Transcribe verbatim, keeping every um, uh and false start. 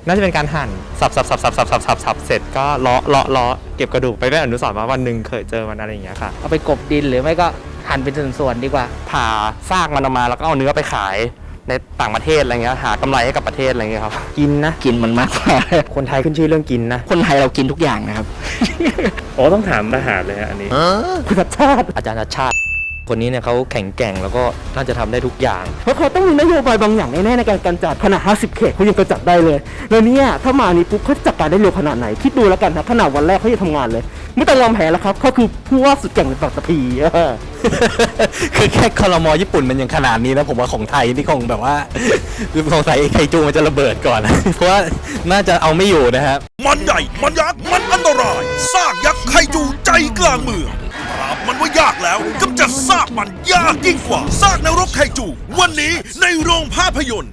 น่าจะเป็นการหั่นสับสับสับสับสับสับสับสับเสร็จก็เลาะเลาะเลาะเก็บกระดูกไปเป็นอนุสรณ์ว่าวันหนึ่งเคยเจอมันอะไรอย่างเงี้ยค่ะเอาไปกบดินหรือไม่ก็หั่นเป็นส่วนๆดีกว่าผ่าซากมันออกมาแล้วก็เอาเนื้อไปขายในต่างประเทศอะไรเงี้ยหากำไรให้กับประเทศอะไรเงี้ยครับกินนะกินมันมากกว่าคนไทยขึ้นชื่อเรื่องกินนะคนไทยเรากินทุกอย่างนะครับโอ้ต้องถามทหารเลยฮะอันนี้คุณชาติอาจารย์ชาติคนนี้เนี่ยเขาแข็งแกร่งแล้วก็น่าจะทำได้ทุกอย่างเพราะเขาต้องมีนโยบายบางอย่างแน่ๆในการกำจัดขนาดห้าสิบเขตเขายังกำจัดได้เลยแล้วเนี่ยถ้ามานี้ปุ๊บเขาจัดการได้เร็วขนาดไหนคิดดูแล้วกันนะขนาดวันแรกเขาจะทำงานเลยไม่ต้องยอมแพ้แล้วครับเขาคือผู้ว่าสุดเก่งในปัตตภีคือแค่คอรมอญี่ปุ่นมันยังขนาดนี้นะผมว่าของไทยนี่คงแบบว่าของไทยไคจูมันจะระเบิดก่อนเพราะว่าน่าจะเอาไม่อยู่นะครับมันใหญ่มันยักษ์มันอันตรายซากยักษ์ไคจูใจกลางเมืองปราบมันว่ายากแล้วกำจัดซากมันยากยิ่งกว่าซากนรกไคจูวันนี้ในโรงภาพยนตร์